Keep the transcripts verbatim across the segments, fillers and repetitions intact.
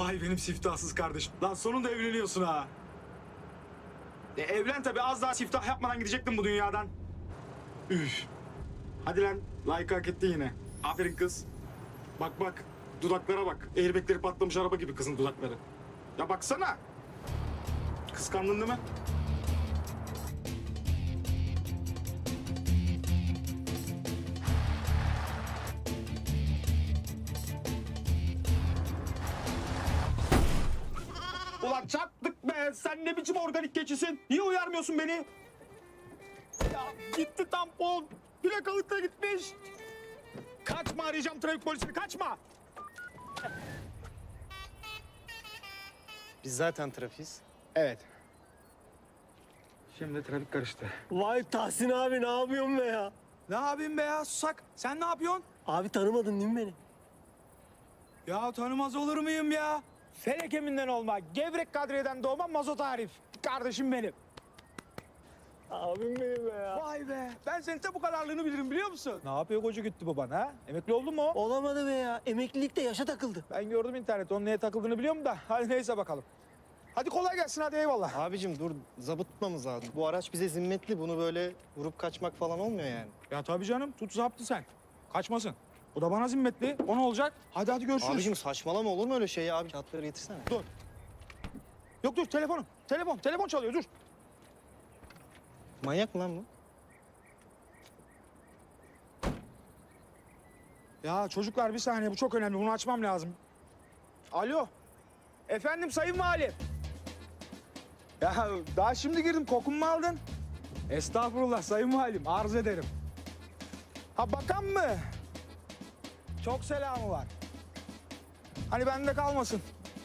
Vay benim siftahsız kardeşim. Lan sonunda evleniyorsun ha. E evlen tabii, az daha siftah yapmadan gidecektim bu dünyadan. Üf. Hadi lan, like hak ettin yine. Aferin kız. Bak bak, dudaklara bak. Airbagleri patlamış araba gibi kızın dudakları. Ya baksana. Kıskandın değil mi? Ulan çattık be! Sen ne biçim organik keçisin? Niye uyarmıyorsun beni? Ya gitti tampon. Plakalık da gitmiş. Kaçma, arayacağım trafik polisini, kaçma. Biz zaten trafiyiz. Evet. Şimdi trafik karıştı. Vay Tahsin abi ne yapıyorsun be ya? Ne yapayım be ya, susak? Sen ne yapıyorsun? Abi tanımadın değil mi beni? Ya tanımaz olur muyum ya? Felek eminden olma, gevrek kadriyeden doğma mazot Arif. Kardeşim benim. Abim benim be ya. Vay be, ben senin de bu kadarlığını bilirim biliyor musun? Ne yapıyor koca gitti baban ha? Emekli oldun mu? Olamadı be ya. Emeklilikte yaşa takıldı. Ben gördüm internette, onun neye takıldığını biliyorum da. Hadi neyse bakalım. Hadi kolay gelsin, hadi eyvallah. Abicim dur, zabıt tutmamız lazım. Bu araç bize zimmetli. Bunu böyle vurup kaçmak falan olmuyor yani. Ya tabii canım, tut zaptı sen. Kaçmasın. Bu da bana zimmetli. O ne olacak? Hadi hadi görüşürüz. Abicim saçmalama, olur mu öyle şey ya? Abi kağıtları getirsene. Dur. Yok dur, telefonum. Telefon, telefon çalıyor, dur. Manyak mı lan bu? Ya çocuklar bir saniye, bu çok önemli. Bunu açmam lazım. Alo. Efendim sayın valim. Ya daha şimdi girdim, kokumu mu aldın? Estağfurullah sayın valim, arz ederim. Ha bakan mı? Çok selamı var. Hani bende kalmasın.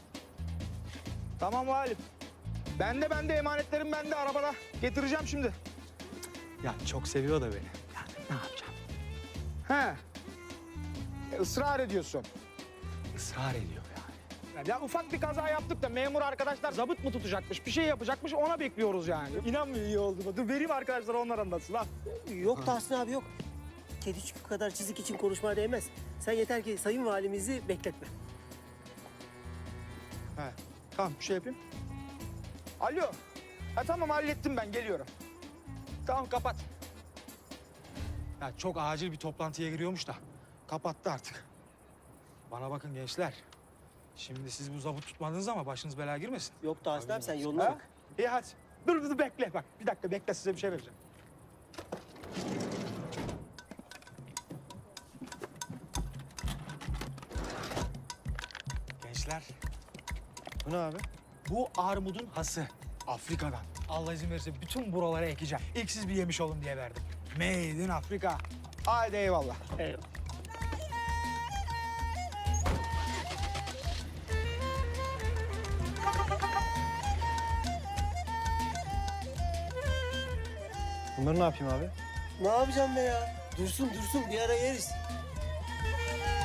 Tamam valim. Bende bende emanetlerim bende arabada. Getireceğim şimdi. Ya çok seviyor da beni. Ya ne yapacağım? He. E, ısrar ediyorsun. Israr ediyor yani. Ya ufak bir kaza yaptık da memur arkadaşlar zabıt mı tutacakmış, bir şey yapacakmış, ona bekliyoruz yani. İnanmıyor iyi oldu mu? Dur vereyim arkadaşlara, onlar anlatsın ha. Yok Tahsin abi yok. Kedicik kadar çizik için konuşmaya değmez. Sen yeter ki sayın valimizi bekletme. He. Tamam, bir şey yapayım. Alo. Ha tamam, hallettim ben, geliyorum. Tamam, kapat. Ya çok acil bir toplantıya giriyormuş da kapattı artık. Bana bakın gençler. Şimdi siz bu zabıt tutmadınız ama başınız belaya girmesin. Yok Tahsin abi sen yoluna Ha? bak. İyi hadi. Dur dur bekle bak. Bir dakika bekle, size bir şey vereceğim. Gençler, Bu ne abi? bu armudun hası. Afrika'dan. Allah izin verirse bütün buralara ekeceğim. İlk siz bir yemiş olun diye verdim. Made in Afrika. Haydi eyvallah. Eyvallah. Bunları ne yapayım abi? Ne yapacağım be ya? Dursun dursun bir ara yeriz.